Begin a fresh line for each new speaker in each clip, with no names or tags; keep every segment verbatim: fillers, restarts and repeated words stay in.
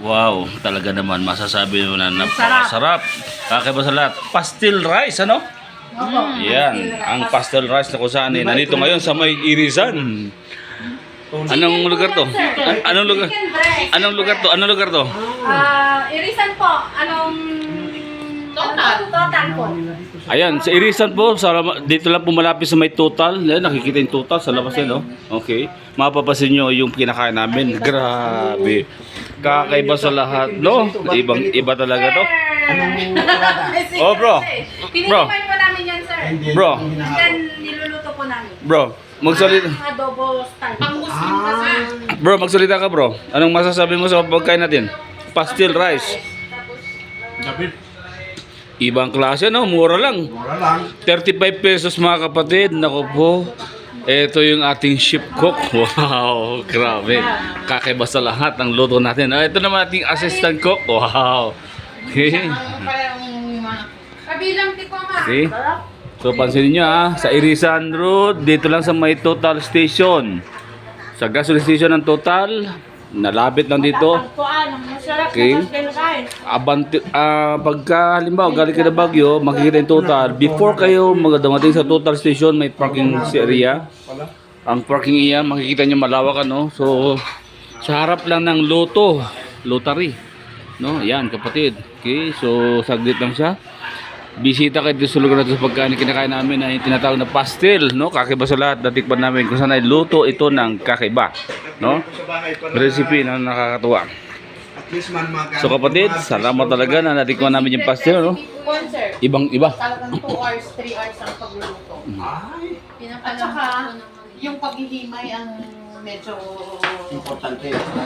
Wow, talaga naman masasabi mo na napakasarap. Kakaiba sa lahat. Pastel rice, ano? Yan, ang pastel rice na kung saan eh, nandito ngayon sa may Irisan. Anong lugar to? An- anong lugar? Anong lugar to? Anong lugar to?
Ah, Irisan po. Anong total? Total po.
Ayan, sa Irisan po, sa, dito lang po malapit sa may total. Ayan, nakikita yung total sa labas yan, no? Okay. Mapapasin nyo yung kinakain namin. Grabe. Kakaiba sa lahat, no? Ibang iba talaga to. Oh, bro. Bro.
Tinitipan po namin yan, sir.
Bro.
And then, niluluto po namin.
Bro, magsalita.
Ah, adobo style. Pang Muslim kasi.
Bro, magsalita ka, bro. Anong masasabi mo sa pagkain natin? Pastel rice.
David,
Ibang klase, no? Mura lang.
mura lang.
thirty-five pesos, mga kapatid. Naku po. Ito yung ating chef cook. Wow, grabe. Kakaiba sa lahat ang luto natin. Ah, ito naman ating assistant cook. Wow. Okay.
Kabilang tiko, ma.
Okay. So, pansinin nyo ah. Sa Irisan Road, dito lang sa may Total Station. Sa gasoline station ng Total. Nalapit lang dito. Okay. Abanti, ah, pagka halimbawa galing kayo na Baguio, makikita yung Total. Before kayo magdating sa Total Station, may parking area. Ang parking area, makikita nyo malawak, ano. So, sa harap lang ng Loto, Lottery. No, yan kapatid. Okay, so saglit lang siya. Bisita kayo dito sa lugar natin sa pagkain kinakain namin na yung tinatawag na pastel, no? Kakaiba sa lahat, natikpan namin kung saan ay luto ito ng kakaiba, no? Recipe na nakakatuwa. So kapatid, salamat talaga na natikman namin yung pastel, no? Ibang iba.
Talagang two hours, three hours ang pagluluto. At saka, yung paghihimay ang medyo
Importante.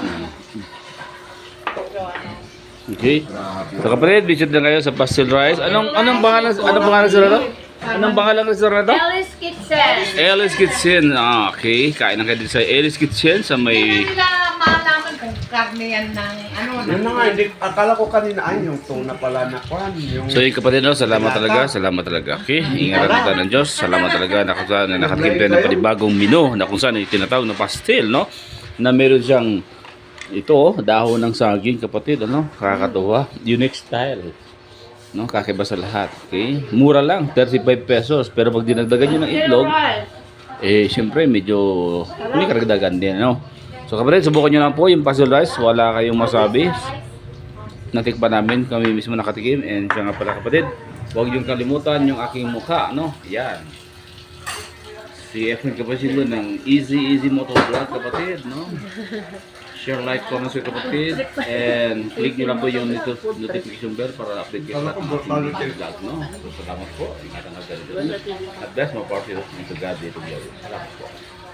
medyo ano.
Okay. So kapatid, visit na kayo sa pastel rice. Anong anong pangalan anong pangalan sa restaurant? Anong pangalan ng restaurant to?
Alice Kitchen.
Alice Kitchen. Ah, okay. Kain na kayo dito sa Alice Kitchen sa
Hindi
may
nila malaman kung karne yan ng ano.
Yun na nga, hindi, akala ko kanina ay yung tuna pala na kwan. Yung...
So yung kapatid, no, salamat talaga, salamat talaga. Okay, ingatan tayo ng Diyos. Salamat talaga na kung saan na nakatikim tayo ng panibagong menu na kung saan yung tinatawag na pastel, no? Na meron siyang ito, oh, dahon ng saging, kapatid, ano? Kakatuwa. Unique style. No, kakaiba sa lahat. Okay? Mura lang, thirty-five pesos. Pero pag dinagdagan nyo ng itlog, eh, syempre, medyo may karagdagan din, no? So, kapatid, subukan nyo lang po yung pastel rice. Wala kayong masabi. Natikpan namin, kami mismo nakatikim. And siya nga pala, kapatid, huwag yung kalimutan yung aking mukha, no? Yan. Si Efren Capacito ng Easy Easy Motovlog, kapatid, no? Share, like, comment sa kapatid. And click nyo lang po yung notification bell para update kayo sa ating vlog, no? So, salamat po. Ingatan ang ganito. At best, maparty to God dito. Salamat po.